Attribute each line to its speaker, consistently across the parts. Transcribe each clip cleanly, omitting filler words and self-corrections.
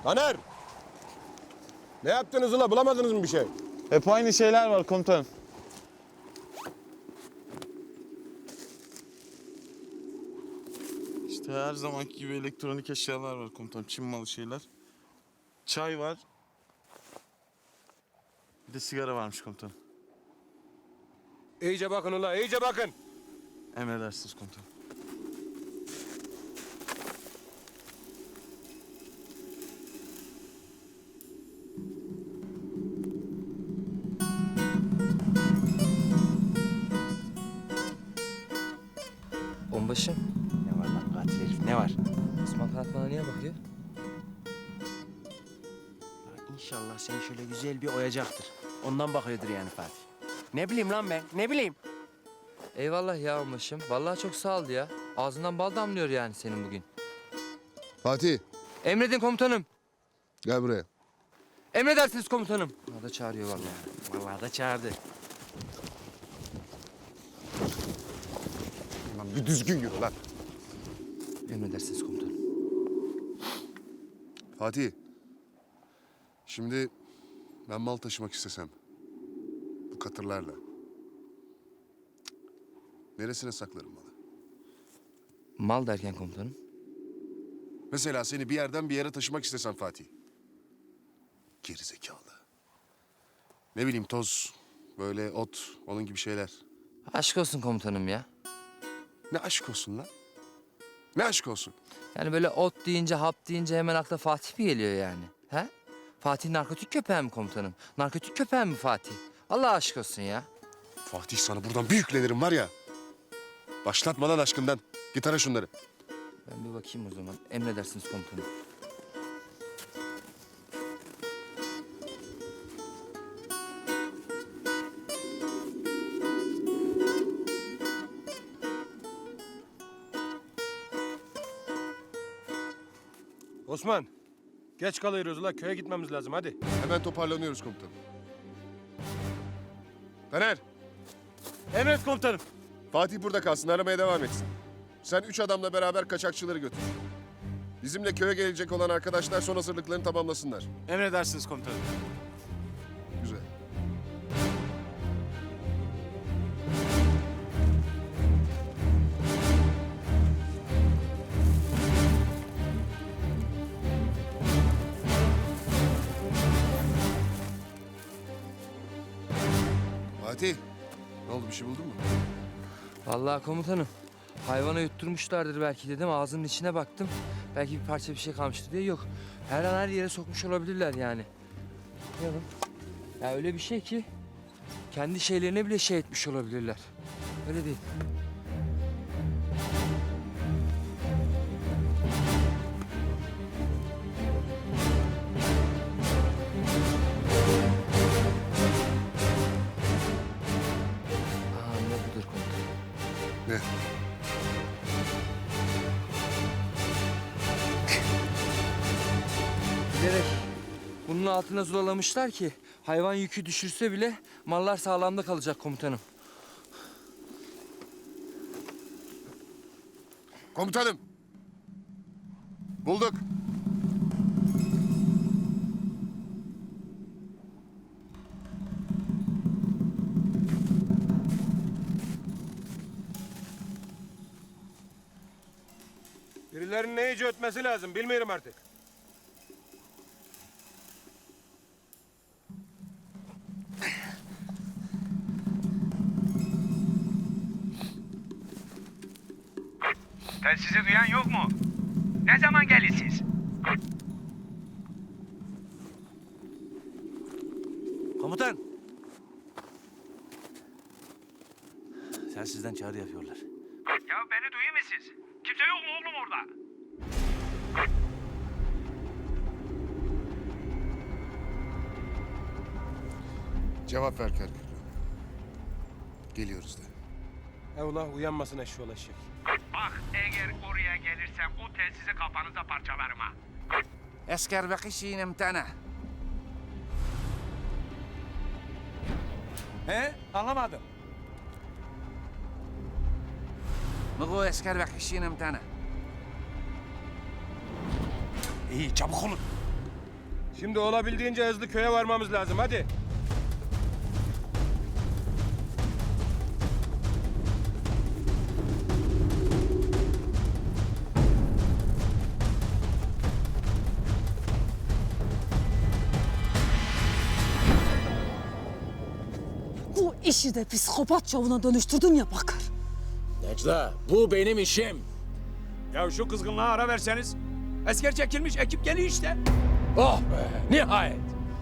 Speaker 1: Taner! Ne yaptınız ula? Bulamadınız mı bir şey?
Speaker 2: Hep aynı şeyler var komutanım. İşte her zamanki gibi elektronik eşyalar var komutanım. Çin malı şeyler. Çay var. Bir de sigara varmış komutanım.
Speaker 1: İyice bakın ula, iyice bakın.
Speaker 2: Emredersiniz komutanım.
Speaker 3: Onbaşım,
Speaker 4: Ne var lan katil herif, ne var?
Speaker 3: Osman Kanat bana niye bakıyor?
Speaker 4: İnşallah seni şöyle güzel bir oyacaktır. Ondan bakıyordur yani Fatih. Ne bileyim lan ben, ne bileyim.
Speaker 3: Eyvallah ya onbaşım. Vallahi çok sağ ol ya. Ağzından bal damlıyor yani senin bugün.
Speaker 5: Fatih,
Speaker 3: Emredin komutanım.
Speaker 5: gel buraya.
Speaker 3: Emredersiniz komutanım. O da çağırıyor vallahi.
Speaker 4: Vallahi da çağırdı.
Speaker 5: Lan bir düzgün yürü lan.
Speaker 3: Emredersiniz komutanım.
Speaker 5: Fatih, şimdi ben mal taşımak istesem, bu katırlarla, neresine saklarım malı?
Speaker 3: Mal derken komutanım.
Speaker 5: Mesela seni bir yerden bir yere taşımak istesem Fatih. Gerizekalı. Ne bileyim toz, böyle ot, onun gibi şeyler.
Speaker 3: Aşk olsun komutanım ya.
Speaker 5: Ne aşk olsun lan? Ne aşk olsun?
Speaker 3: Yani böyle ot deyince, hap deyince hemen akla Fatih mi geliyor yani? He? Fatih narkotik köpeği mi komutanım? Narkotik köpeği mi Fatih? Allah aşk olsun ya.
Speaker 5: Fatih sana buradan bir yüklenirim var ya. Başlatma lan aşkından. Git ara şunları.
Speaker 3: Ben bir bakayım o zaman. Emredersiniz komutanım.
Speaker 1: Osman, geç kalıyoruz ula. Köye gitmemiz lazım, hadi.
Speaker 5: Hemen toparlanıyoruz komutanım. Taner,
Speaker 1: Emret komutanım.
Speaker 5: Fatih burada kalsın, aramaya devam etsin. Sen 3 adamla beraber kaçakçıları götür. Bizimle köye gelecek olan arkadaşlar son hazırlıklarını tamamlasınlar.
Speaker 2: Emredersiniz komutanım.
Speaker 5: Güzel. Fatih, ne oldu, bir şey buldun mu?
Speaker 3: Vallahi komutanım. Hayvana yutturmuşlardır belki dedim. Ağzının içine baktım. Belki bir parça bir şey kalmıştı diye yok. Her an her yere sokmuş olabilirler yani. Bakıyorum. Ya öyle bir şey ki kendi şeylerine bile şey etmiş olabilirler. Öyle değil. Aa, ne budur komutanım.
Speaker 5: Ne?
Speaker 3: Bilerek bunun altına zulalamışlar ki hayvan yükü düşürse bile mallar sağlamda kalacak komutanım.
Speaker 5: Komutanım! Bulduk.
Speaker 1: Birilerinin ne iyice ötmesi lazım, bilmiyorum artık.
Speaker 6: Telsizi duyan yok mu? Ne zaman gelirsiniz?
Speaker 4: Komutan. Sizden çağrı yapıyorlar.
Speaker 6: Ya beni duyuyor musunuz? Kimse yok mu oğlum orada?
Speaker 5: Cevap ver Kerkük. Geliyoruz de.
Speaker 1: Evla uyanmasın eşşoğlu eşek.
Speaker 6: Bak eğer oraya gelirsem o telsizi kafanıza parçalarım ha.
Speaker 4: Esker bekişin imtana.
Speaker 6: He? Anlamadım.
Speaker 4: Mıgı esker bekişin imtana.
Speaker 6: İyi çabuk olun.
Speaker 1: Şimdi olabildiğince hızlı köye varmamız lazım. Hadi.
Speaker 7: Bu işi de psikopat çavuna dönüştürdün ya Bakır.
Speaker 8: Necla, bu benim işim.
Speaker 6: Ya şu kızgınlığa ara verseniz. Asker çekilmiş, ekip geliyor işte.
Speaker 8: Oh be, nihayet.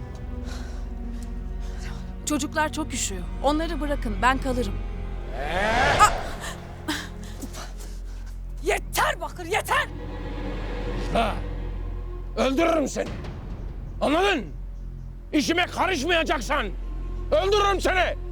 Speaker 7: Çocuklar çok üşüyor. Onları bırakın, ben kalırım. Yeter Bakır, yeter!
Speaker 8: Ha, öldürürüm seni. Anladın? İşime karışmayacaksan öldürürüm seni.